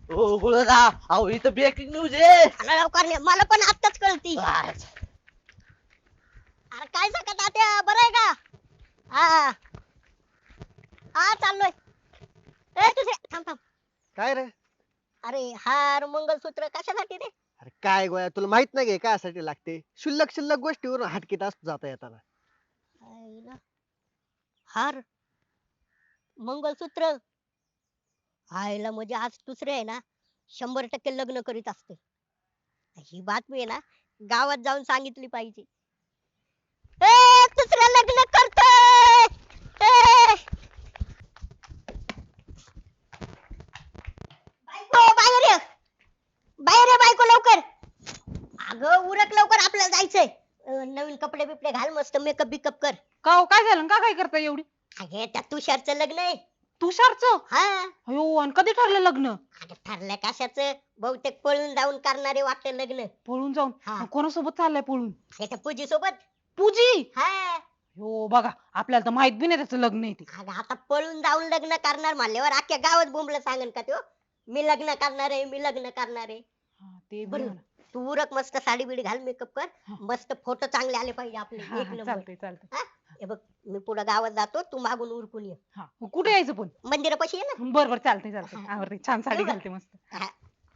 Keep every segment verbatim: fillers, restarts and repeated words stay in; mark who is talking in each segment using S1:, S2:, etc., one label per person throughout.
S1: ओ गुळदा, अहो इथं breaking news आहे.
S2: अरे लवकर ये, मला पण आत्ताच कळती.
S1: काय?
S2: अरे काय सांगत तात्या, बरं आहे का? हा हा चाललोय. ए तुझे थांब थांब.
S3: काय रे?
S2: अरे हार मंगलसूत्र कशासाठी रे?
S3: अरे काय गोळ्या, तुला माहित नाही काय कायसाठी लागते? शुल्लक शुल्लक गोष्टीवरून हटकीत असतो जाता येताना.
S2: आईला. हार मंगलसूत्र आईला म्हणजे आज दुसरे आहे ना शंभर टक्के लग्न करीत असते. ही बातमी आहे ना गावात जाऊन सांगितली पाहिजे. ए दुसरं लग्न करतोय. ए बायको बाहेर ये. बाहेर ये बायको लवकर. अगं उरक लवकर आपल्याला जायचंय. अं, नवीन कपडे बिपडे घाल मस्त मेकअप बिकअप कर.
S4: का हो, काय झालं का काय करता एवढी?
S2: अगे त्या तुषारचं लग्न आहे.
S4: तुषारचं?
S2: हा
S4: अयो, आणि कधी ठरलं लग्न?
S2: अगं ठरलं कशाचं बहुतेक पळून जाऊन करणारे वाटतं लग्न.
S4: पळून जाऊन?
S2: हा.
S4: आणि कोणासोबत चाललंय पळून?
S2: त्याच्या पूजी सोबत.
S4: पूजी?
S2: हा
S4: हो बघा, आपल्याला तर माहित बी नाही त्याचं लग्न आहे ते.
S2: अगं आता पळून जाऊन लग्न करणार म्हणल्यावर अख्ख्या गावात बोंबलं सांगन का त्यो मी लग्न करणार आहे मी लग्न करणार आहे.
S4: हा, ते बी
S2: बरं
S4: म्हणा.
S2: तू उरक मस्त साडी बिडी घाल मेकअप कर
S4: हा.
S2: मस्त फोटो चांगले आले पाहिजे आपले
S4: हा,
S2: एक
S4: हा,
S2: नंबर.
S4: चालतंय चालतंय.
S2: हे बघ मी पुढे गावात जातो तू मागून उरकून ये.
S4: हा, कुठे यायचं पण?
S2: मंदिरापाशी ये ना.
S4: बर बर, चालतंय चालतंय.
S2: हा.
S4: आवडते, छान साडी
S2: येऊ का?
S4: घालते मस्त.
S2: हा.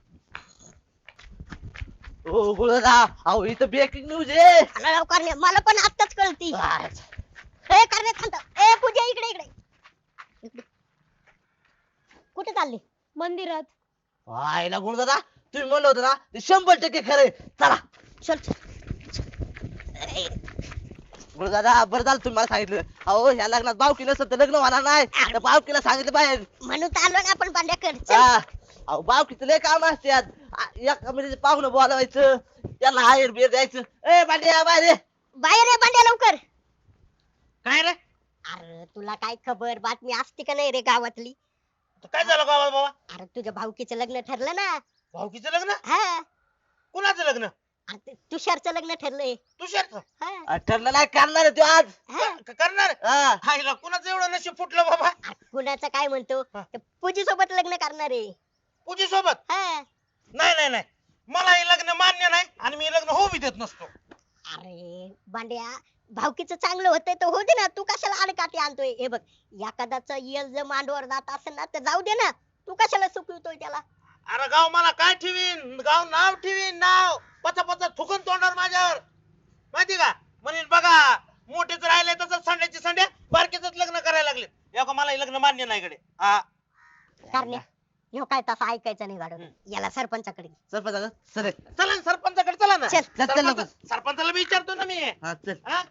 S1: ओ गुळदा, अहो इथं ब्रेकिंग न्यूज आहे.
S2: अरे लवकर ये, मला पण आत्ताच कळती.
S1: काय?
S2: ए करणे थांब थांब. ए पूजा इकडे इकडे इकडे. कुठे चालली?
S4: मंदिरात.
S1: आयला गुळदादा, तुम्ही म्हणलं होतं ना ते शंभर टक्के खरंय. चला
S2: चल चल. ए,
S1: गुळदादा, बरं झालं तुम्ही मला सांगितलं. अहो ह्या लग्नात बावकी नसतं तर लग्न होणार नाही. त्या बावकीला सांगितलं बाहेर.
S2: म्हणून तर आलो ना आपण पांड्याकड. चल.
S1: हा. अहो बावकीचं लय काम असतात. एका म्हणजे पाहुणं बोलवायचं, त्याला हायर बिर द्यायचं. ए बांड्या बाहेर ये.
S2: बाहेर ये पांड्या लवकर.
S5: काय रे?
S2: अरे तुला काय खबर बातमी असते का नाही रे गावातली?
S5: काय झालं गावात बाबा?
S2: अरे तुझ्या भाऊकीचं लग्न ठरलं ना.
S5: भाऊकीचं लग्न?
S2: हा
S5: कुणाचं लग्न?
S2: अरे ते तुषारचं लग्न ठरलंय.
S5: तुषारचं?
S2: हा
S1: अ, ठरलं नाही करणार आहे तो आज.
S2: हा.
S5: क- करणार?
S1: हा.
S5: हायला कुणाचं एवढं नशीब फुटलं बाबा?
S2: अरे कुणाचं काय म्हणतो
S5: हा.
S2: पूजी सोबत लग्न करणार आहे.
S5: पूजी सोबत?
S2: हा
S5: नाही नाही नाही, मला हे लग्न मान्य नाही आणि मी हे लग्न होऊ बी देत नसतो.
S2: अरे बांड्या भावकीचं चांगलं होतंय तर होऊ दे ना. तू कशाला अडकाटी आणतोय? हे बघ एखाद्याचं यश जर मांडवर जात असेल ना तर जाऊ दे ना. तू कशाला चुकवतोय त्याला?
S5: अरे गाव मला काय ठेवीन? गाव नाव ठेवीन, नाव पचा पचा थुकून तोंडावर माझ्यावर, माहिती का? म्हणेन बघा मोठेच राहिले तसंच संड्याची संड्या बारकेच लग्न करायला लागले. या मला हे लग्न मान्य नाही कडे. हा
S2: कारण ह्यो काय तसं ऐकायचं नाही गाडून. याला सरपंचाकडे घे.
S1: सरपंच सर
S5: चला ना सरपंचाकडे, चला ना.
S2: चल.
S1: चल, चल लवकर.
S5: सरपंच- सरपंचाला विचारतो ना मी.
S1: हा चल.
S5: हा?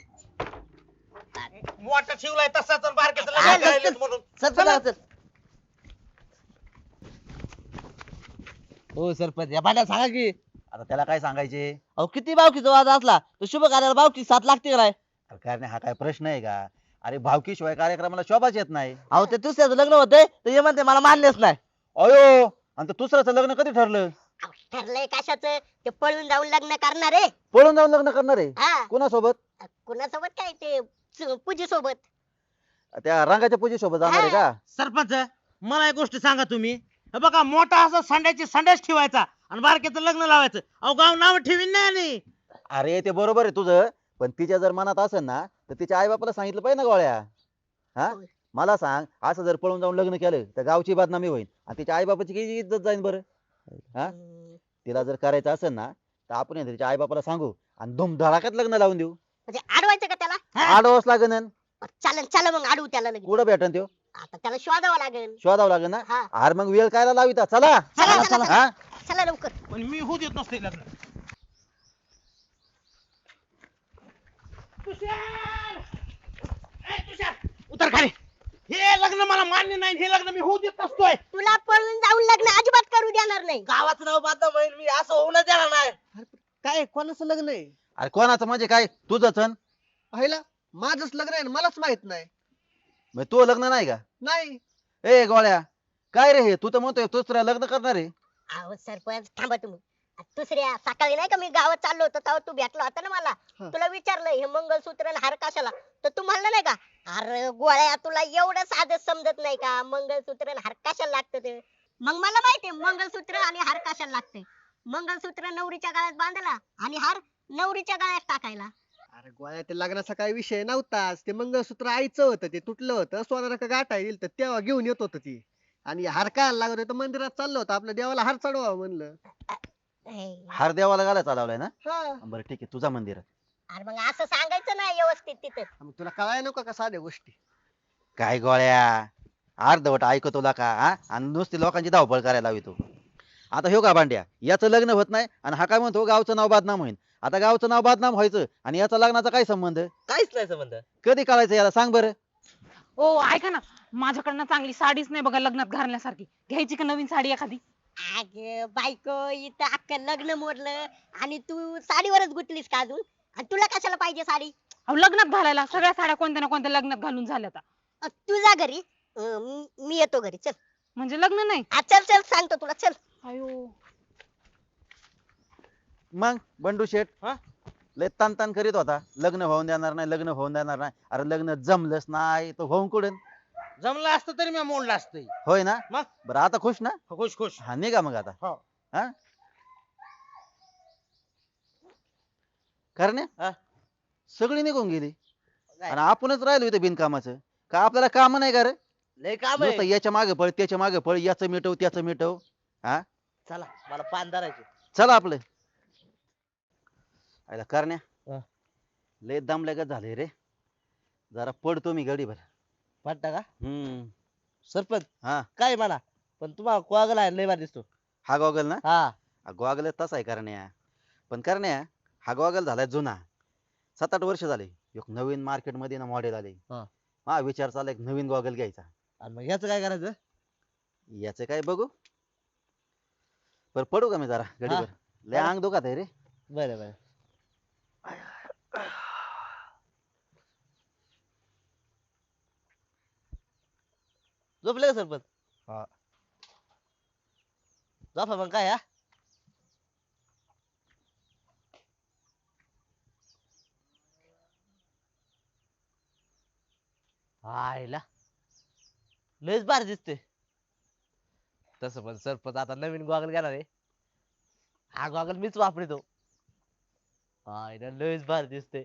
S5: मोठा ठेवलाय तसाच आणि बारक्याचं
S1: हा,
S5: लग्न
S1: चल,
S5: राहिलेत
S1: चल.
S5: म्हणून.
S1: सरपंच चल. हो सरपंच या भांड्या सांगा की.
S6: आता त्याला काय सांगायचे?
S1: अहो किती बावकीचा वाद असला तर शुभ कार्याला बावकी साथ लागते का नाही?
S6: अरे काय नाही, हा काय प्रश्न आहे का? अरे भावकीशिवाय कार्यक्रमाला शोभाच येत नाही.
S1: अहो ते दुसऱ्याचं लग्न होतंय तर हे म्हणते मला मान्यच नाही.
S6: अयो, आणि ते दुसऱ्याचं लग्न कधी ठरलं?
S2: अहो, ठरलंय कशाचं? ते पळून जाऊन लग्न करणार आहे.
S6: पळून जाऊन लग्न करणार आहे?
S2: हा
S6: कोणासोबत?
S2: कुणासोबत काय ते पूजी सोबत.
S6: त्या रंगाच्या पूजे सोबत जाणार आहे का?
S5: सरपंच मला एक गोष्ट सांगा तुम्ही. हे बघा मोठा असं संड्याची संड्याच ठेवायचा आणि बारक्याचं लग्न लावायचं. अहो गाव नाव ठेवीन नाही आणि.
S6: अरे ते बरोबर आहे तुझं, पण तिच्या जर मनात असेल ना तर तिच्या आई बापाला सांगितलं पाहिजे ना गोळ्या. हा
S2: होय.
S6: मला सांग, असं जर पळून जाऊन लग्न केलं तर गावची बदनामी होईल आणि तिच्या आई बापाची किती इज्जत जाईल बरं. हा
S2: हम्म,
S6: तिला जर करायचं असेल ना तर आपण आहे ना तिच्या आई बापाला सांगू आणि धुमधडाक्यात लग्न लावून देऊ.
S2: म्हणजे अडवायचं का त्याला?
S6: आडवच लागेल.
S2: चालन चला मग अडवू त्याला लगेच.
S6: कुठं भेटन त्यो?
S2: आता त्याला शोधावं लागेल.
S6: शोधावं लागेल ना.
S2: हा
S6: अरे मग वेळ कायला लाविता? चला
S2: चला, चला,
S6: हा
S2: चला लवकर.
S5: पण मी होऊ देत नसते लग्न. तुषार! ए, तुषार! उतर खाली. हे लग्न मला मान्य नाही, हे लग्न मी होऊ देत नसतोय.
S2: तुला पळून जाऊन लग्न अजिबात करू देणार नाही.
S1: गावाचं नाव बदनाम होईल मी असं होऊनच देणार नाही.
S3: काय कोणाचं लग्न आहे?
S6: अरे कोणाचं म्हणजे काय? तुझंच अन?
S3: पाहिला माझंच लग्न आहे ना, मलाच माहित नाही.
S6: मग तू लग्न नाही का?
S3: नाही
S6: ए गोळ्या, काय रे हे? तू तर म्हणतोय दुसऱ्या लग्न करणार आहे.
S2: अहो सरपंच थांबा तुम्ही. दुसऱ्या सकाळी नाही का मी गावात चाललो होतो तेव्हा तू भेटला होता ना मला.
S3: हा.
S2: तुला विचारलं हे मंगळसूत्र आणि हार कशाला, तर तू म्हणला नाही का अरे गोळ्या तुला एवढं साधं समजत नाही का मंगळसूत्र आणि हार कशाला लागतं ते. मग मला माहितीये मंगळसूत्र आणि हार कशाला लागते. मंगळसूत्र नवरीच्या गळ्यात बांधायला आणि हार नवरीच्या गळ्यात टाकायला.
S3: अरे गोळ्या ते लग्नाचा काही विषय नव्हताच. ते मंगळसूत्र आईचं होतं, ते तुटलं होतं, सोनारा का गाठा येईल तर तेव्हा घेऊन येत होत ती. आणि हार काय लागत होतं, मंदिरात चाललो होतं आपल्या देवाला हार चढवा म्हणलं.
S2: हे.
S6: हार देवाला घालायला चालवलाय ना?
S3: हा
S6: बरं ठीक आहे, तुझा मंदिर आहे.
S2: अरे मग असं सांगायचं ना व्यवस्थित तिथं.
S3: मग तुला कळाय नको का साध्या गोष्टी.
S6: काय गोळ्या अर्धवट ऐकतो ला का हा? आणि नुसती लोकांची धावपळ करायला लावी तू. आता ह्यो का भांड्या, याचं लग्न होत नाही आणि हा काय म्हणतो गावचं नाव बदनाम होईल. आता गावचं नाव बदनाम व्हायचं आणि याचा लग्नाचा काय संबंध?
S1: काहीच नाही संबंध.
S6: कधी कळायचं याला सांग बरं.
S4: ओ ऐका ना, माझ्याकडनं चांगली साडीच नाही बघा लग्नात घालण्यासारखी. घ्यायची का नवीन साडी एखादी?
S2: अग बायको इथं अख्खं लग्न मोडलं आणि तू साडीवरच गुंतलीस का अजून? आणि तुला कशाला पाहिजे साडी?
S4: अहो लग्नात घालायला सगळ्या साड्या कोणत्या ना कोणत्या लग्नात घालून झाल्या आता.
S2: अ, तू जा घरी. अ, मी मी येतो घरी. चल.
S4: म्हणजे लग्न नाही.
S2: हा, चल चल सांगतो तुला. चल.
S4: अयो
S6: मग बंडू शेठ
S5: हा?
S6: लय तान तान करीत होता, लग्न होऊन देणार नाही, लग्न होऊन देणार नाही. अरे लग्न जमलंच नाही तर होऊन कुठून?
S5: जमलं असतं तरी मी मोडलं असतं.
S6: होय ना?
S5: मग?
S6: बरं आता खुश ना?
S5: खुश खुश.
S6: हा निघा मग आता.
S5: हो.
S6: हा करण्या
S1: हा?
S6: सगळी निघून गेली
S1: काय?
S6: आणि आपणच राहिलो इथे बिनकामाचं. का आपल्याला काम नाही का रे?
S1: लय काम
S6: नुसतं
S1: आहे.
S6: याच्या मागे पळ त्याच्या मागे पळ, याचं मिटव त्याचं मिटव. हा
S1: चला मला पान धरायचे.
S6: चला आपलं. आयला करण्या
S1: हा.
S6: लय दमल्यागत झाले रे, जरा पडतो मी गडीभर.
S1: वाटतं का
S6: हम्म
S1: सरपंच?
S6: हा
S1: काय म्हणा पण तुम्हाला कोगल आहे लय भारी दिसतो.
S6: हा गॉगल ना?
S1: हा
S6: गॉगल तसा आहे करण्या, पण करण्या हा गॉगल झालाय जुना. सात आठ वर्ष झाले. एक नवीन मार्केट मध्ये ना मॉडेल आले.
S1: हा.
S6: हा विचार चालला एक नवीन गॉगल घ्यायचा.
S1: आणि मग याचं काय करायचं?
S6: याचं काय बघू. पर पडू का मी जरा गडीवर? लय
S1: चला.
S6: अंग दुखत आहे रे.
S1: बरं बरं. झोपले का सरपंच?
S6: हा.
S1: झोपा मग काय. हा आईला लयच भारी दिसते. तसं पण सरपंच आता नवीन गॉगल घेणार आहे. हा गॉगल मीच वापरतो. आईला लयच भारी दिसते.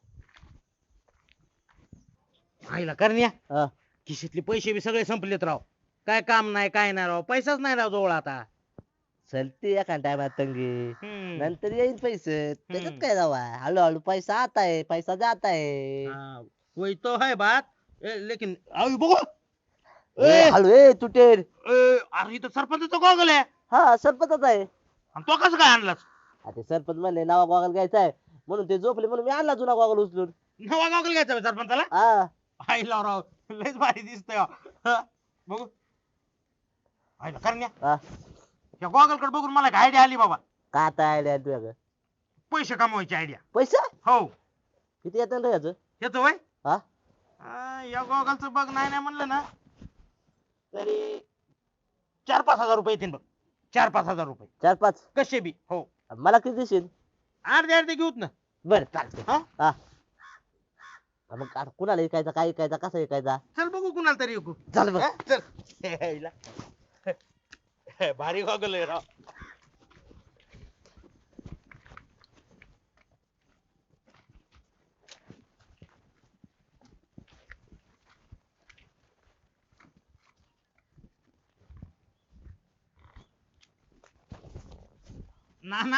S5: आईला करण्या
S1: हा.
S5: खिशीतले पैसे बी सगळे संपलेत राव. काय काम नाही काय नाही राव, पैसाच नाही राव जवळ आता.
S1: चलते एका टायमात तंगी.
S5: हम्म.
S1: नंतर येईल पैसे. त्याच्यात
S5: हम्म.
S1: काय जावा हळूहळू पैसा आता है पैसा जाता है.
S5: हाँ, वही तो है बात. ए, लेकिन अभी बघू.
S1: ए,
S5: ए,
S1: हळू ए तुटेल.
S5: ए, अरे इथं सरपंचाचा गॉगल आहे.
S1: हा सरपंचच आहे.
S5: आणि तो कसं काय आणलास?
S1: आता सरपंच म्हणले नवा गॉगल घ्यायचा आहे म्हणून ते झोपले म्हणून मी आणला जुना गॉगल उचलून.
S5: नवा गॉगल घ्यायचा होय सरपंचाला?
S1: हा
S5: आईला राव लयच भारी दिसतोय राव. हा, बघू. आईला करण्या
S1: हा.
S5: या गॉगल कडे बघून मला आयडिया आली बाबा.
S1: का आता आयडिया तुझ्याकडे?
S5: पैसे कमवायची आयडिया.
S1: पैसा
S5: हो.
S1: किती येतात रे याचं?
S5: येतो वय
S1: हा
S5: या गॉगलचं बघ नाही नाही म्हणलं ना तरी चार पाच हजार रुपये येतील बघ. चार पाच हजार रुपये
S1: चार पाच.
S5: कसे बी. हो.
S1: मला किती देशील?
S5: अर्धे अर्धे घेऊत ना.
S1: बर चालते.
S5: हा?
S1: हा मग आता कुणाला ऐकायचा काय ऐकायचा कसा ऐकायचा?
S5: चल बघू कुणाला तरी ऐकू.
S1: चल बघ.
S5: हा, चल. हे, हिला. हे, भारी गॉगल आहे राव. ना ना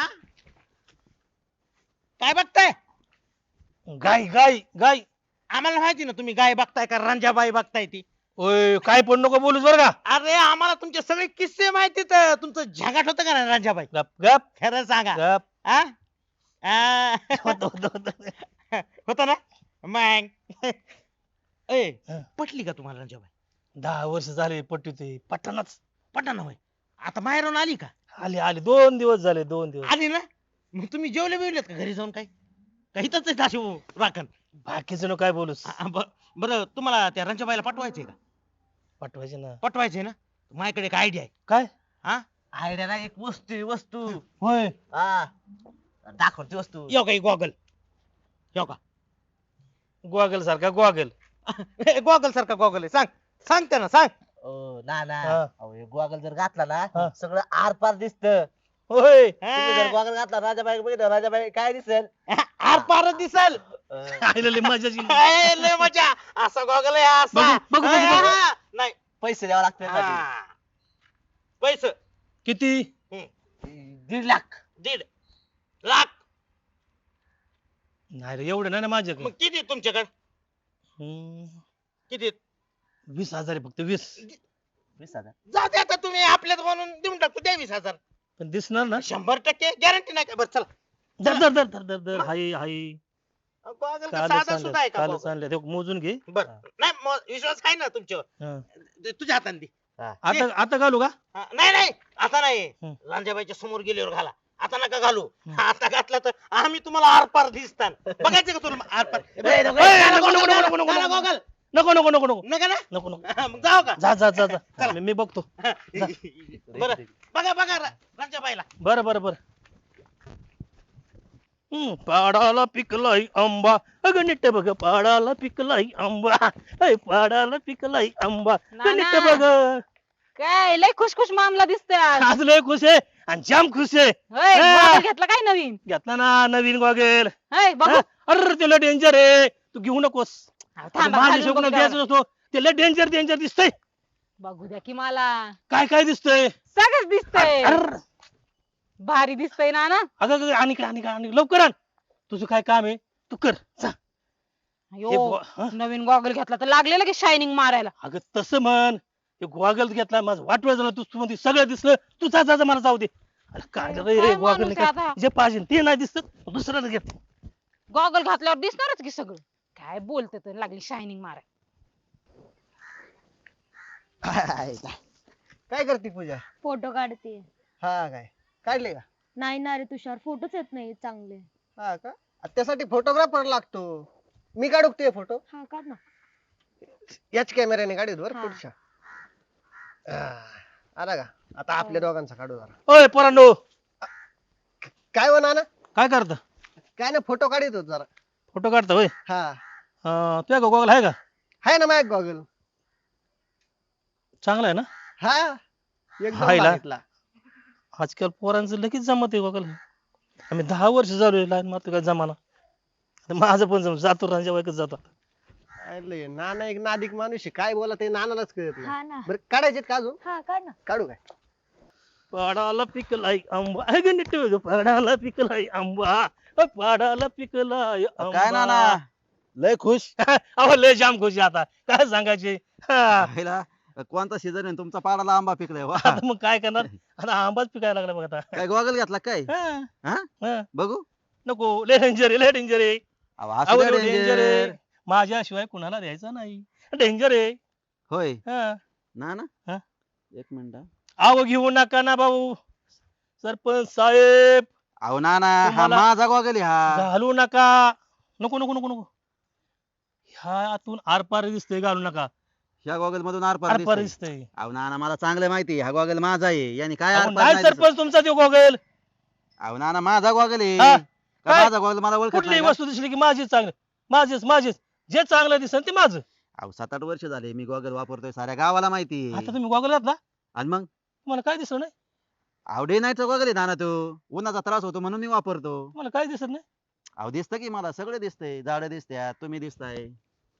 S5: काय बघताय?
S7: गाय गाय गाय
S5: आम्हाला माहिती ना तुम्ही गाय बघताय का रंजाबाई बघताय ती.
S7: ओय काय पण नको बोलूस बर का.
S5: अरे आम्हाला तुमचे सगळे किस्से माहिती तर तुमचं झगाट होतं का ना रंजाबाई?
S7: गप गप
S5: खरं सांगा.
S7: गप
S5: आ? आ?
S7: होतं, होतं, होतं.
S5: होतं ना मग. ए
S7: हं.
S5: पटली का तुम्हाला रंजाबाई?
S7: दहा वर्ष झाले पट्टी ते पटनाच.
S5: पटा होय. आता माहेरून आली का?
S7: आली आली दोन दिवस झाले दोन दिवस.
S5: आली ना. मग तुम्ही जेवले बिवलेत का घरी जाऊन? काय काही तर अशी राखण.
S7: बाकीचं नको काय बोलूस.
S5: आ, ब- बरं तुम्हाला त्या रंजाबाईला पटवायचंय का?
S7: पाठवायचे ना.
S5: पटवायचंय ना. माझ्याकडे एक आयडिया आहे.
S7: काय
S5: हा
S1: आयडिया ना एक वस्तू आहे, वस्तू.
S7: होय
S1: हा दाखवते वस्तू.
S5: यो काही गॉगल यो का
S7: गोगल सारखा गोगल.
S5: गॉगल सारखा गॉगल आहे. सांग सांग त्यांना सांग.
S1: ओ ना ना
S7: हा.
S1: अहो हे गॉगल जर घातला
S7: हा.
S1: ना सगळं आर पार दिसत.
S7: होय
S1: तुम्ही जर गॉगल घातला राजाबाई बघितलं राजाबाई काय दिसेल
S5: आर पार दिसल.
S1: अं,
S7: आईला लय मजा येईल.
S5: ए, लय मजा. असा गॉगल आहे हा, असा
S7: बघू, बघू, बघू,
S5: हा,
S7: बघू.
S5: हा. नाही
S1: पैसे द्यावे लागते
S5: हा. पैसे
S7: किती
S1: दीड लाख.
S5: दीड लाख.
S7: नाही रे एवढं नाही ना माझ्याकडे
S5: मग किती तुमच्याकडे
S7: हम्म,
S5: किती
S7: वीस हजार आहे फक्त वीस.
S1: वीस हजार.
S5: जाऊ दे आता तुम्ही आपल्यात म्हणून देऊन टाकतो द्या वीस हजार.
S7: पण दिसणार ना.
S5: शंभर टक्के गॅरंटी नाही का? बरं चला.
S7: धर धर धर धर धर धर हाय हाय
S5: गॉगल का
S7: कालच
S5: साधा सुद्धा आहे
S7: आणलं
S5: का
S7: कालच
S5: गॉगल?
S7: आणलं ते मोजून घे.
S5: बर नाही म- विश्वास आहे ना तुमच्यावर.
S7: हा.
S5: दे- तुझ्या हाताने दे.
S7: आता आता घालू का
S5: हा, नाही नाही आता नाही
S7: हं.
S5: लांजाबाईच्या समोर गेल्यावर घाला. आता नका घालू.
S7: हं.
S5: आता घातला तर आम्ही तुम्हाला आरपार दिसतान. बघायचं का तुला आरपार?
S1: ए, नको,
S7: ए,
S5: घाला
S7: नको, नको,
S5: गॉगल,
S7: नको, नको,
S5: घाला
S7: नको.
S5: गॉगल.
S7: नको नको नको नको
S5: नका ना?
S7: नको नको
S5: हा, मग जाऊ का?
S7: जा जा जा जा मी मी बघतो.
S5: बरं बघा बघा रा- लांजाबाईला.
S7: बरं बरं बरं हम्म पाडाला पिकलाय आंबा अगं नीट बघ पाडाला पिकलाय आंबा ऐ पाडाला पिकलाय आंबा
S4: नाना.
S7: नीट बघ.
S4: काय लय खुशखुश मामला दिसतोय आज.
S7: आज लय खुश आहे आणि जाम खुश आहे.
S4: होय,
S7: हा.
S4: goggle घेतला काय नवीन?
S7: घेतला ना नवीन गॉगल.
S4: होय, बघू.
S7: अरे त्याला डेंजर आहे तू घेऊ नकोस.
S4: अहो, थांबा,
S7: माझ्या
S4: घालून
S7: शोकनं
S4: बघू
S7: द्यायचं
S4: द्या.
S7: नसतो त्याला डेंजर डेंजर दिसतंय.
S4: बघू द्या की मला.
S7: काय काय दिसतंय
S4: सगळंच दिसतंय.
S7: अरे
S4: भारी दिसतंय ना ना.
S7: अगं अगं, आणि काय आणि काय आणि लवकर आण तुझं काय काम आहे तू कर जा. हे
S4: अयो,
S7: गो- हं?
S4: नवीन गॉगल घेतला तर लागलेलं की शायनिंग मारायला.
S7: अगं तसं म्हण हे गॉगल घेतला माझं वाटवं झालं तू तू म्हणते सगळं दिसलं तू जा जा जा, मला जाऊ दे. अरे काय
S4: काय
S7: रे
S4: माणूस
S7: गॉगल
S4: आहे आता?
S7: जे पाहिजे ते नाही दिसत दुसऱ्याला घे.
S4: गॉगल घातल्यावर दिसणारच की सगळं. काय बोलते तर लागली शायनिंग माराय.
S3: काय करते पूजा?
S8: फोटो काढते.
S3: हा काय काढले का?
S8: नाही ना रे तुषार फोटोच येत नाही चांगले.
S3: हा का? आ, त्यासाठी फोटोग्राफर लागतो. मी काढू ते फोटो
S8: हा काढ ना.
S3: याच कॅमेऱ्याने काढू बरं
S8: हा.
S3: पुढच्या. हा, आला का? आता आपल्या दोघांचा काढू जरा.
S7: ओय पोरांनो
S3: काय हो नाना?
S7: काय करता
S3: काय ना फोटो काढत होतो जरा.
S7: फोटो काढता होय
S3: हा
S7: अं, तुझ्या गॉगल आहे का
S3: आहे ना माझ्या गॉगल.
S7: चांगला आहे ना.
S3: हा एकदम
S7: हायला.
S3: भारीतला.
S7: आजकाल पोरांचं लगेच जमत आहे गॉगल. आम्ही दहा वर्ष झालोय लाईन मारतो काय जमाना. आता माझं पण जम जातो रांजा वाईकच जातो.
S3: अरे नाना एक नादिक माणूस आहे. काय बोला ते नानालाच कळत नाही.
S8: हा ना.
S3: बरं काढायचे का अजून?
S8: हा काढ ना.
S3: काढू काय?
S7: पाडाला पिकलाय आंबा आहे का नीट बघ, पाडाला पिकलाय आंबा अ, पाडाला पिकलाय
S6: काय ना ना लय खुश.
S7: अहो लय जाम खुशी आता काय सांगायचे. हा.
S6: पहिला कोणता सीझन आहे तुमचा पाडाला आंबा पिकलाय वा.
S7: आता मग काय करणार आता आंबाच पिकायला लागला बघ आता.
S6: काय गॉगल घेतला काय
S7: हा.
S6: हा
S7: हा.
S6: बघू
S7: नको लय डेंजर आहे लय डेंजर आहे.
S6: अहो,
S7: अहो,
S6: असू द्या
S7: लय डेंजर आहे
S6: danger.
S7: माझ्याशिवाय कुणाला द्यायचा नाही डेंजर आहे.
S6: होय
S7: हा.
S6: ना ना
S7: हा?
S6: एक मिनिट हा.
S7: अहो घेऊ नका ना भाऊ सरपंच साहेब
S6: अहो ना ना हा
S7: तुम्हाला-
S6: माझा गॉगल आहे हा.
S7: घालू नका. नको नको नको नको ह्या आतून आरपार दिसतंय घालू नका.
S6: ह्या गॉगल मधून आरपार
S7: आरपार
S6: दिसतंय.
S7: दिसतंय.
S6: अहो ना ना मला चांगलं माहिती आहे, हा गॉगल माझा आहे याने काय
S7: अहो,
S6: आरपार
S7: नाही
S6: नाही दिसत.
S7: सरपंच तुमचा तो गॉगल
S6: अहो ना ना माझा गॉगल आहे
S7: हा?
S6: का
S7: काय?
S6: माझा गॉगल मला ओळखत
S7: कुठलीही
S6: नाही का?
S7: वस्तू दिसली की माझीच चांगलं माझीच माझीच जे चांगलं दिसेल ते माझं.
S6: अहो सात आठ वर्ष झाले मी गॉगल वापरतोय साऱ्या गावाला माहिती आहे.
S7: आता तुम्ही गॉगल घातला
S6: आणि मग
S7: तुम्हाला काय दिसत नाही
S6: अहो डे नाईटचा गॉगल आहे ना ना तो उन्हाचा त्रास होतो म्हणून मी वापरतो.
S7: तुम्हाला काय दिसत नाही.
S6: अहो दिसतं की मला सगळं दिसतंय झाडं दिसत्यात तुम्ही दिसताय.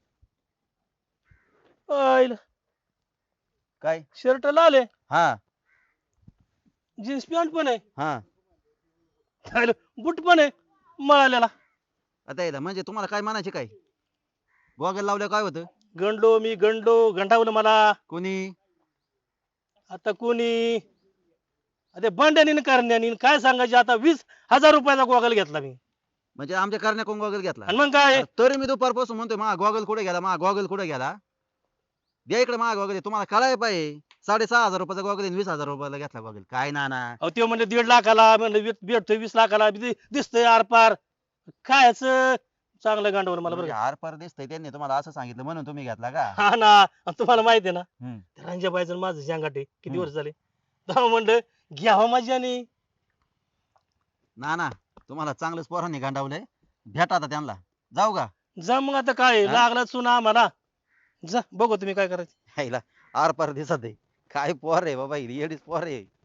S7: आईला,
S6: काय
S7: शर्ट लाल आहे
S6: हा
S7: जीन्स पॅन्ट पण आहे
S6: हा
S7: आईला, बूट पण आहे मळालेला.
S6: आता याला म्हणजे तुम्हाला काय म्हणायचे काय गॉगल लावल्या काय होतं
S7: गंडलो मी गंडलो गंडावलं मला
S6: कोणी
S7: आता कोणी अरे बंड्यानी करण्यानी काय सांगायचे आता वीस हजार रुपयाचा गॉगल घेतला मी
S6: म्हणजे आमच्या करण्या कोण गॉगल घेतला
S7: आणि मग काय
S6: अरे तरी मी दुपारपासून म्हणतोय मा गॉगल कुठे गेला मा गॉगल कुठे गेला द्या इकडे मा गॉगल तुम्हाला कळाय पाहिजे साडेसहा हजार रुपयाचा गॉगल आहे, वीस हजार रुपयाला घेतला गॉगल काय ना ना
S7: अहो ते म्हणजे दीड लाखाला म्हणजे भेटतोय वीस लाखाला दि- दिसतंय आरपार काय चांगलं गांडवर मला बरं
S6: म्हणजे
S7: का.
S6: आर पार दिसतंय त्यांनी तुम्हाला असं सांगितलं म्हणून तुम्ही घेतला का
S7: हा ना आणि तुम्हाला माहिती आहे ना
S6: हम्म.
S7: रंजाबाईचं आणि माझं सांगाटे किती
S6: हम्म.
S7: वर्ष झाले तेव्हा म्हणलं घ्यावं माझ्याने.
S6: ना ना तुम्हाला चांगलंच पोरांनी गांडावलंय भेटा आता त्यांना जाऊ का
S7: जा मग आता काय
S6: हा?
S7: लागला चुना आम्हाला जा बघू तुम्ही काय करायचं.
S6: हायला आर पार दिसत आहे. काय पोर आहे बाबा ही येडीच पोर आहे.